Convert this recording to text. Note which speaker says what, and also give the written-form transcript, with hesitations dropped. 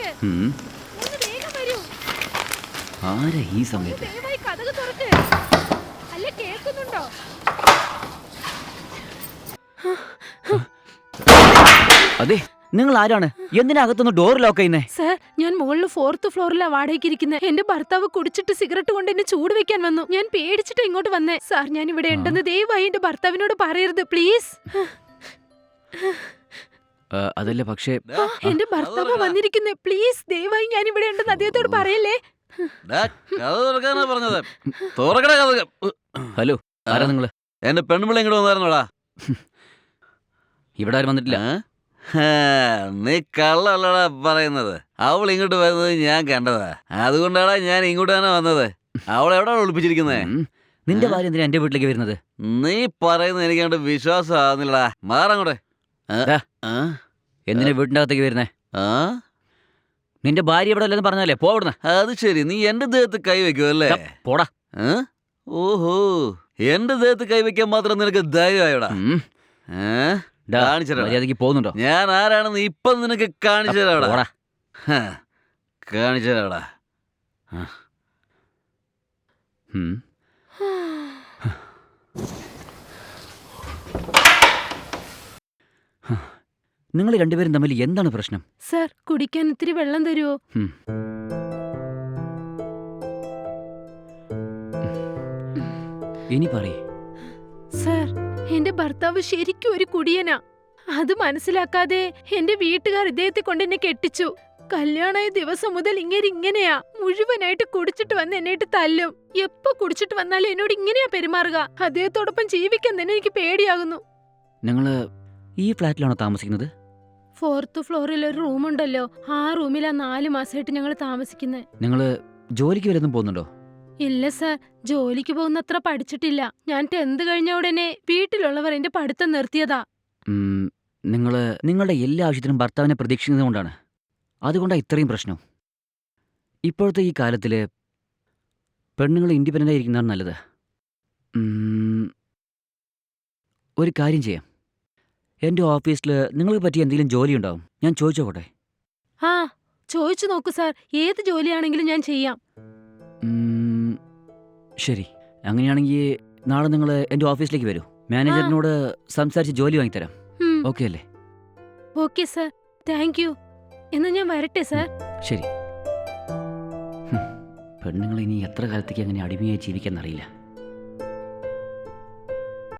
Speaker 1: തുറക്ക്.
Speaker 2: ഉം.
Speaker 1: ഒന്ന് വേഗം വരൂ.
Speaker 2: ആരാ ഈ സമയത്ത്?
Speaker 1: ദയവായി കതക് തുറക്ക്. അല്ല, കേൾക്കുന്നുണ്ടോ?
Speaker 2: അതെ, നിങ്ങൾ ആരാണ്? എന്തിനാ അകത്തൊന്ന് ഡോർ ലോക്ക് ചെയ്യുന്നേ?
Speaker 1: സർ, ഞാൻ മുകളിൽ 4th ഫ്ലോറിലാ വാടകയ്ക്ക് ഇരിക്കുന്നത്. എന്റെ ഭർത്താവ് കുടിച്ചിട്ട് സിഗരറ്റ് കൊണ്ട് എന്നെ ചൂട് വെക്കാൻ വന്നു. ഞാൻ പേടിച്ചിട്ട് ഇങ്ങോട്ട് വന്നേ. സാർ, ഞാൻ ഇവിടെ ഉണ്ടെന്ന് ദയവായി എന്റെ ഭർത്താവിനോട് പറയരുത്, പ്ലീസ്.
Speaker 2: അതല്ല, പക്ഷേ
Speaker 1: എന്റെ ഭർത്താവ് വന്നിരിക്കുന്നേ. പ്ലീസ്, ദയവായി ഞാൻ ഇവിടെ ഉണ്ടെന്ന് അദ്ദേഹത്തോട് പറയല്ലേ.
Speaker 3: പറഞ്ഞത് തുറക്കട കഥ.
Speaker 2: ഹലോ, ആരാ നിങ്ങള്?
Speaker 3: എന്റെ പെൺപിള്ള ഇങ്ങോട്ട് വന്നായിരുന്നോടാ?
Speaker 2: ഇവിടെ ആരും വന്നിട്ടില്ല.
Speaker 3: നീ കള്ളല്ലടാ പറയുന്നത്. അവൾ ഇങ്ങോട്ട് വരുന്നത് ഞാൻ കണ്ടതാ. അതുകൊണ്ടാണ് ഞാൻ ഇങ്ങോട്ട് തന്നെ വന്നത്. അവൾ എവിടെയാണ് ഒളിപ്പിച്ചിരിക്കുന്നത്?
Speaker 2: നിന്റെ ഭാര്യ എന്തിനാ എന്റെ വീട്ടിലേക്ക് വരുന്നത്?
Speaker 3: നീ പറയുന്നത് എനിക്ക് അങ്ങോട്ട് വിശ്വാസം ആവുന്നില്ലടാ. മാറങ്ങോട്ടെ.
Speaker 2: എന്തിനാ വീട്ടിന്റെ അകത്തേക്ക് വരുന്നേ? നിന്റെ ഭാര്യ ഇവിടെ അല്ലെന്ന് പറഞ്ഞല്ലേ, പോവിടുന്ന.
Speaker 3: അത് ശരി, നീ എന്റെ ദേഹത്ത് കൈവയ്ക്കുമല്ലേ?
Speaker 2: പോടാ.
Speaker 3: ഓഹോ, എന്റെ ദേഹത്ത് കൈവയ്ക്കാൻ മാത്രം നിനക്ക് ധൈര്യമായോടാ?
Speaker 2: മര്യാദക്ക് പോകുന്നുണ്ടോ?
Speaker 3: ഞാൻ ആരാണെന്ന് ഇപ്പൊ നിനക്ക് കാണിച്ചു തരാടാ. കാണിച്ചു തരാടാ.
Speaker 2: നിങ്ങൾ രണ്ടുപേരും തമ്മിൽ എന്താണ് പ്രശ്നം?
Speaker 1: സർ, കുടിക്കാൻ ഇത്തിരി വെള്ളം തരുമോ?
Speaker 2: ഇനി പറയേ.
Speaker 1: സർ, എന്റെ ഭർത്താവ് ശരിക്കും ഒരു കുടിയനാ. അത് മനസ്സിലാക്കാതെ എന്റെ വീട്ടുകാർ ഇദ്ദേഹത്തെ കൊണ്ട് എന്നെ കെട്ടിച്ചു. കല്യാണമായ ദിവസം മുതൽ ഇങ്ങനെയാ. മുഴുവനായിട്ട് കുടിച്ചിട്ട് വന്ന് എന്നിട്ട് തല്ലും. എപ്പോ കുടിച്ചിട്ട് വന്നാലും എന്നോട് ഇങ്ങനെയാ പെരുമാറുക. അദ്ദേഹത്തോടൊപ്പം ജീവിക്കാൻ തന്നെ എനിക്ക് പേടിയാകുന്നു.
Speaker 2: നിങ്ങള് ഈ ഫ്ലാറ്റിലാണോ താമസിക്കുന്നത്?
Speaker 1: 4th ഫ്ലോറിൽ ഒരു റൂമുണ്ടല്ലോ, ആ റൂമിലാ 4 മാസമായിട്ട് ഞങ്ങൾ താമസിക്കുന്നത്.
Speaker 2: നിങ്ങള് ജോലിക്ക് വല്ലതും പോകുന്നുണ്ടോ?
Speaker 1: ഇല്ല സർ, ജോലിക്ക് പോകുന്നത്ര പഠിച്ചിട്ടില്ല. ഞാൻ 10th കഴിഞ്ഞ ഉടനെ വീട്ടിലുള്ളവർ എന്റെ പഠിത്തം നിർത്തിയതാ.
Speaker 2: നിങ്ങള് നിങ്ങളുടെ എല്ലാ ആവശ്യത്തിനും ഭർത്താവിനെ പ്രതീക്ഷിക്കുന്നതുകൊണ്ടാണ്. അതുകൊണ്ടാണ് ഇത്രയും പ്രശ്നം. ഇപ്പോഴത്തെ ഈ കാലത്തില് പെണ്ണുങ്ങൾ ഇൻഡിപെൻഡൻ്റ് ആയിരിക്കുന്നതാണ് നല്ലത്. ഒരു കാര്യം ചെയ്യാം, എൻ്റെ ഓഫീസിൽ നിങ്ങൾക്ക് പറ്റിയ എന്തെങ്കിലും ജോലി ഉണ്ടാവും. ഞാൻ ചോദിച്ചോട്ടെ?
Speaker 1: ആ, ചോദിച്ചു നോക്കൂ സാർ. ഏത് ജോലിയാണെങ്കിലും ഞാൻ ചെയ്യാം.
Speaker 2: ശരി, അങ്ങനെയാണെങ്കിൽ നാളെ നിങ്ങൾ എൻ്റെ ഓഫീസിലേക്ക് വരൂ. മാനേജറിനോട് സംസാരിച്ച് ജോലി വാങ്ങിത്തരാം. ഓക്കെ അല്ലേ?
Speaker 1: Okay sir, thank you. എന്നാ ഞാൻ വരട്ടെ സർ.
Speaker 2: ശരി. പെണ്ണുങ്ങൾ ഇനി എത്ര കാലത്തേക്ക് അങ്ങനെ അടിമയായി ജീവിക്കാൻ അറിയില്ല.